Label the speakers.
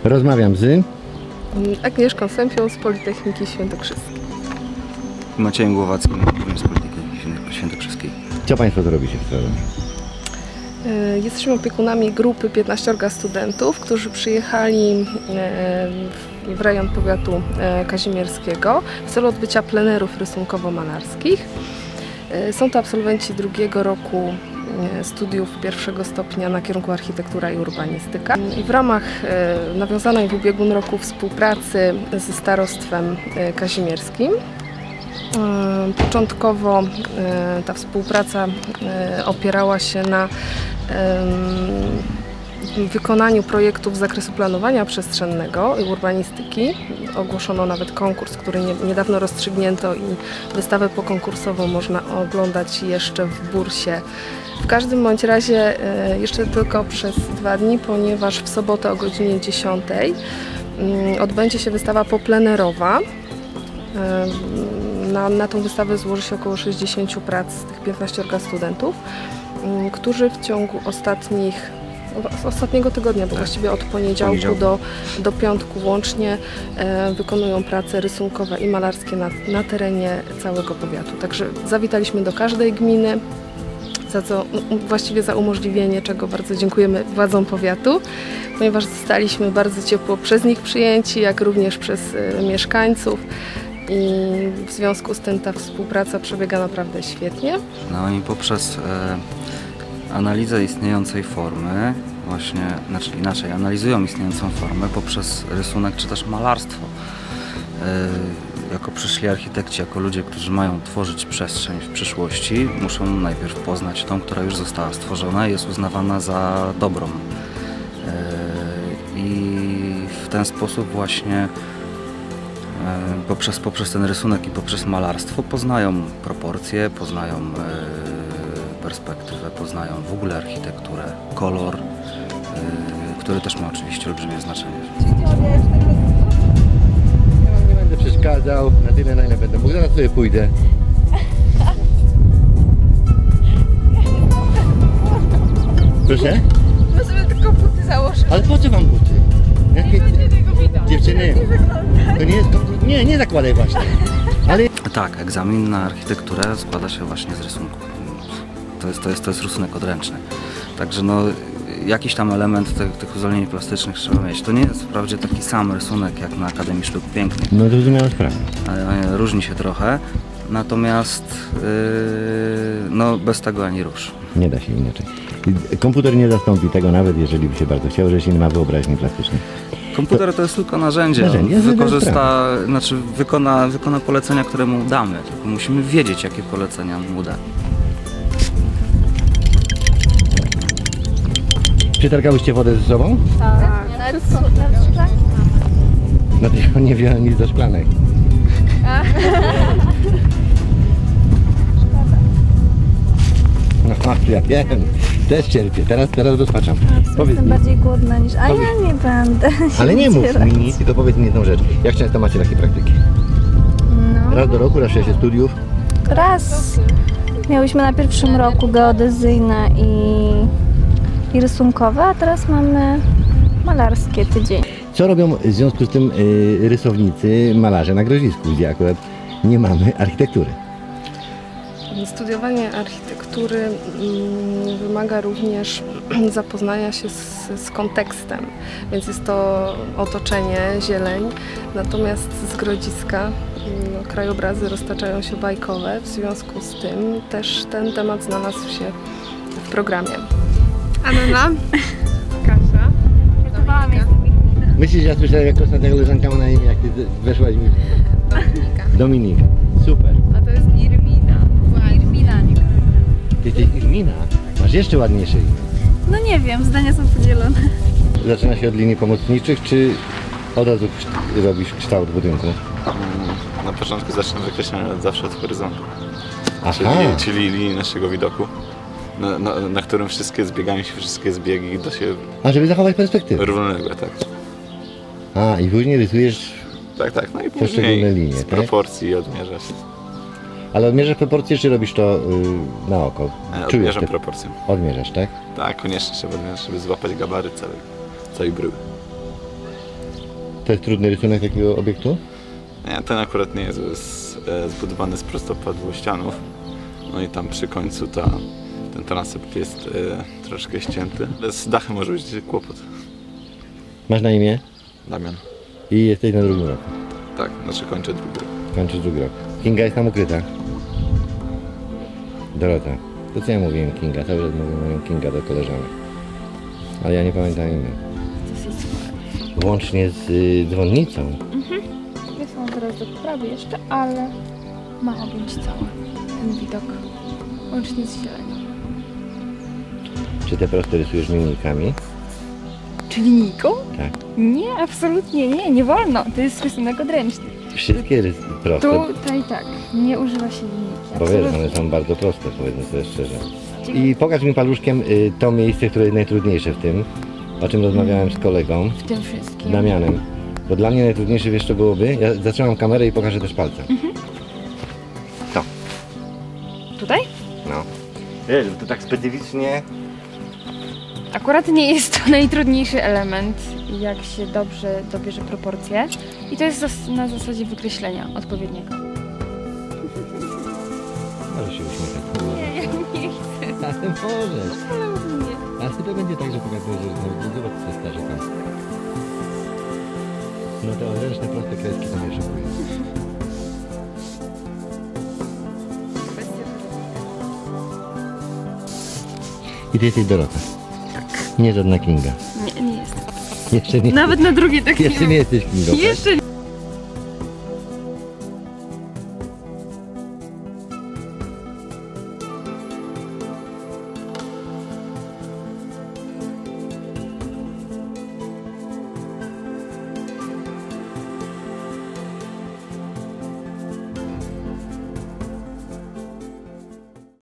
Speaker 1: Rozmawiam z
Speaker 2: Agnieszką Sępią z Politechniki Świętokrzyskiej.
Speaker 3: Maciejem Głowackim z Politechniki Świętokrzyskiej.
Speaker 1: Co Państwo zrobicie w Radomiu?
Speaker 2: Jesteśmy opiekunami grupy 15 studentów, którzy przyjechali w rejon powiatu kazimierskiego w celu odbycia plenerów rysunkowo-malarskich. Są to absolwenci drugiego roku studiów pierwszego stopnia na kierunku architektura i urbanistyka. I w ramach nawiązanej w ubiegłym roku współpracy ze starostwem kazimierskim początkowo ta współpraca opierała się na wykonaniu projektów z zakresu planowania przestrzennego i urbanistyki. Ogłoszono nawet konkurs, który niedawno rozstrzygnięto i wystawę pokonkursową można oglądać jeszcze w bursie. W każdym bądź razie jeszcze tylko przez 2 dni, ponieważ w sobotę o godzinie 10 odbędzie się wystawa poplenerowa. Na tą wystawę złoży się około 60 prac z tych 15 studentów, którzy w ciągu ostatniego tygodnia, bo właściwie od poniedziałku do piątku łącznie wykonują prace rysunkowe i malarskie na terenie całego powiatu. Także zawitaliśmy do każdej gminy, właściwie za umożliwienie, czego bardzo dziękujemy władzom powiatu, ponieważ zostaliśmy bardzo ciepło przez nich przyjęci, jak również przez mieszkańców. I w związku z tym ta współpraca przebiega naprawdę świetnie.
Speaker 3: No i poprzez analizę istniejącej formy, inaczej, analizują istniejącą formę poprzez rysunek czy też malarstwo. Jako przyszli architekci, jako ludzie, którzy mają tworzyć przestrzeń w przyszłości, muszą najpierw poznać tą, która już została stworzona i jest uznawana za dobrą. I w ten sposób właśnie poprzez ten rysunek i poprzez malarstwo poznają proporcje, poznają perspektywę, poznają w ogóle architekturę, kolor, który też ma oczywiście olbrzymie znaczenie.
Speaker 1: Ja wam nie będę przeszkadzał, na tyle na ile będę mógł, zaraz sobie pójdę. Proszę?
Speaker 4: My sobie tylko buty założyć.
Speaker 1: Ale po co wam buty? Dziewczyny, to nie jest... Nie zakładaj właśnie. Ale...
Speaker 3: Tak, egzamin na architekturę składa się właśnie z rysunku. To jest rysunek odręczny. Także no, jakiś tam element tych uzdolnień plastycznych trzeba mieć. To nie jest wprawdzie taki sam rysunek jak na Akademii Sztuk Pięknych.
Speaker 1: No zrozumiałem sprawę.
Speaker 3: Różni się trochę, natomiast no, bez tego ani rusz.
Speaker 1: Nie da się inaczej. Komputer nie zastąpi tego, nawet jeżeli by się bardzo chciał, że się nie ma wyobraźni plastycznej.
Speaker 3: Komputer to jest tylko narzędzie. Wykona polecenia, które mu damy. Tylko musimy wiedzieć, jakie polecenia mu da.
Speaker 1: Przetargałyście wodę ze sobą?
Speaker 4: Tak. Nawet szklanki mamy.
Speaker 1: Dlatego nie wziąłem nic do szklanek. No, ja wiem. Też cierpię. Teraz rozpaczam.
Speaker 4: Jestem bardziej głodna niż... A ja nie będę.
Speaker 1: Ale nie mów mi, tylko powiedz mi jedną rzecz. Jak często macie takie praktyki?
Speaker 4: No.
Speaker 1: Raz do roku, raz w czasie studiów?
Speaker 4: Raz. Miałyśmy na pierwszym roku geodezyjne i rysunkowe, a teraz mamy malarskie tydzień.
Speaker 1: Co robią w związku z tym rysownicy, malarze na Grodzisku, gdzie akurat nie mamy architektury?
Speaker 2: Studiowanie architektury wymaga również zapoznania się z kontekstem, więc jest to otoczenie, zieleń, natomiast z Grodziska krajobrazy roztaczają się bajkowe, w związku z tym też ten temat znalazł się w programie.
Speaker 5: Anna, Kasia,
Speaker 1: Myślisz, że ja słyszałem, jak ostatnia koleżanka ma na imię, jak ty weszłaś mi?
Speaker 5: Dominika.
Speaker 1: Dominika. Super.
Speaker 5: A to jest Irmina. Irmina, nie
Speaker 1: Ty jesteś Irmina. Masz jeszcze ładniejsze imię.
Speaker 4: No nie wiem, zdania są podzielone.
Speaker 1: Zaczyna się od linii pomocniczych, czy od razu robisz kształt budynku?
Speaker 6: Na początku zaczynam wykreślać zawsze od horyzontu.
Speaker 1: Aha.
Speaker 6: Czyli linii naszego widoku, na którym zbiegają się wszystkie zbiegi do siebie
Speaker 1: A, żeby zachować perspektywę.
Speaker 6: równoległe, tak.
Speaker 1: A, i później rysujesz,
Speaker 6: Tak, no i
Speaker 1: poszczególne
Speaker 6: później
Speaker 1: linie,
Speaker 6: z
Speaker 1: tak?
Speaker 6: proporcji odmierzasz.
Speaker 1: ale odmierzasz proporcje, czy robisz to na oko?
Speaker 6: Odmierzam proporcję.
Speaker 1: Odmierzasz, tak?
Speaker 6: Tak, koniecznie trzeba odmierzyć, żeby złapać gabaryt całej bryły.
Speaker 1: To jest trudny rysunek takiego obiektu?
Speaker 6: Nie, ten akurat nie jest, jest zbudowany z prostopadłościanów. No i tam przy końcu ten transept jest troszkę ścięty. Ale z dachem może być kłopot.
Speaker 1: Masz na imię?
Speaker 6: Damian.
Speaker 1: I jesteś na drugim roku.
Speaker 6: Tak, znaczy kończę drugi rok.
Speaker 1: Kończysz drugi rok. Kinga jest tam ukryta. Dorota. To co ja mówiłem Kinga? Cały czas mówię Kinga do koleżanek. Ale ja nie pamiętam imię. Łącznie z dzwonnicą.
Speaker 7: Jest on teraz do poprawy jeszcze, ale ma objąć cały ten widok. Łącznie z zielenią.
Speaker 1: Czy te proste rysujesz linijkami?
Speaker 7: Czy linijką?
Speaker 1: Tak.
Speaker 7: Nie, absolutnie nie, nie wolno. To jest rysunek odręczny.
Speaker 1: Wszystkie proste.
Speaker 7: Tutaj tak, nie używa się linijki.
Speaker 1: Bo wiesz, one są bardzo proste, powiedzmy sobie szczerze. I pokaż mi paluszkiem to miejsce, które jest najtrudniejsze w tym, o czym rozmawiałem z kolegą,
Speaker 7: W tym wszystkim.
Speaker 1: Damianem. Bo dla mnie najtrudniejsze, wiesz co byłoby? Ja zatrzymam kamerę i pokażę też palcem. To.
Speaker 7: Tutaj?
Speaker 1: No. Wiesz, to tak specyficznie...
Speaker 7: Akurat nie jest to najtrudniejszy element, jak się dobrze dobierze proporcje. I to jest na zasadzie wykreślenia odpowiedniego.
Speaker 1: Możesz się uśmiechać.
Speaker 7: Nie, ja nie chcę.
Speaker 1: Ale możesz.
Speaker 7: Nie.
Speaker 1: Ale to będzie tak, że pokazuję, że zobacz co starzy tam. No te odręczne proste kreski to mnie szokują. I ty jesteś Dorota. Tak. Nie żadna Kinga.
Speaker 7: Nie, nie jest.
Speaker 1: Jeszcze nie.
Speaker 7: Nawet na drugie tak
Speaker 1: Jeszcze nie jesteś Kingą. tak?
Speaker 7: Jeszcze nie.